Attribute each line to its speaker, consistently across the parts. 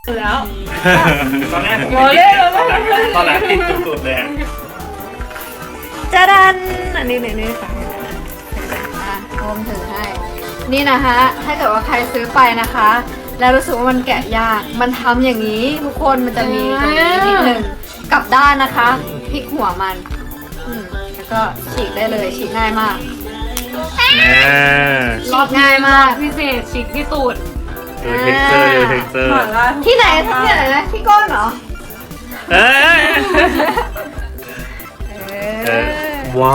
Speaker 1: แล้ว
Speaker 2: ตอนแรกผม
Speaker 1: โอ้เล่นแล้ว
Speaker 2: ตอนแรกติดสุดๆเลย
Speaker 3: จะดันอันนี้นี่ค่ะโอมถือให้ นี่นะคะถ้าเกิดว่าใครซื้อไปนะคะ แล้วรู้สึกว่ามันแกะยาก มันทำอย่างนี้ทุกคนมันจะมีตรงนี้นิดหนึ่งกลับด้านนะคะพลิกหัวมันแล้วก็ฉีกได้เลยฉีกง่ายมากฉีกง่ายมาก
Speaker 1: พิเศษฉีกที่ตูด
Speaker 2: เท็กเจอร์เท็กเจอร์
Speaker 3: ที่ไหนนะที่ก้นเหรอ
Speaker 2: เอ้ยว้าว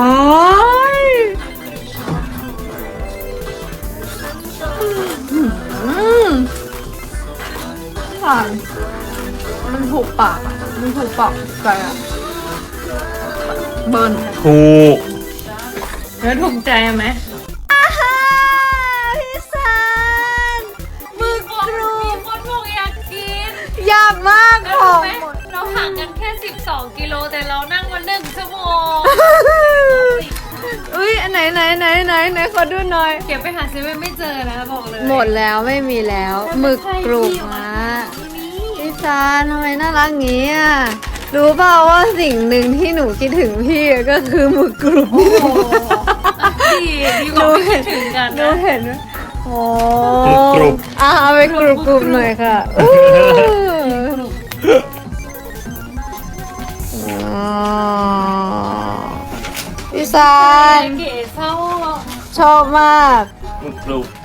Speaker 3: ผ่านมันถูกปากอะมันถูกปากใจอะเบิร์น
Speaker 2: ถูก
Speaker 1: แล้วถูกใจไหม
Speaker 3: พี่ซันมือกรู
Speaker 1: มีคนบอกอยากกิน
Speaker 3: ยากมาก
Speaker 1: แล้ว
Speaker 3: ข
Speaker 1: รู้
Speaker 3: อง
Speaker 1: ไหมเราห่างกันแค่12 กิโลแต่เรานั่งมา1 ชั่วโมง
Speaker 3: อุ้ยอันไหนขอดูหน่อย
Speaker 1: เก็บไปหาซื้อไม่เจอนะบอกเลย
Speaker 3: หมดแล้วไม่มีแล้วหมึกกรุบมาพี่ซันทำไมน่ารักงี้อ่ะรู้เปล่าว่าสิ่งหนึ่งที่หนูคิดถึงพี่ก็คือหมึกกรุบ
Speaker 1: โอ้โหดีกว่าไม่คิดถึงกัน
Speaker 3: ดู
Speaker 1: นะ
Speaker 3: เห็นไหมโอ้
Speaker 2: กรุบ
Speaker 3: เอาไปกรุบหน่อยค่ะอู้อ๋อพี่ซัน
Speaker 1: เก๋เศร้า
Speaker 3: ชอบมาก
Speaker 2: กรุบ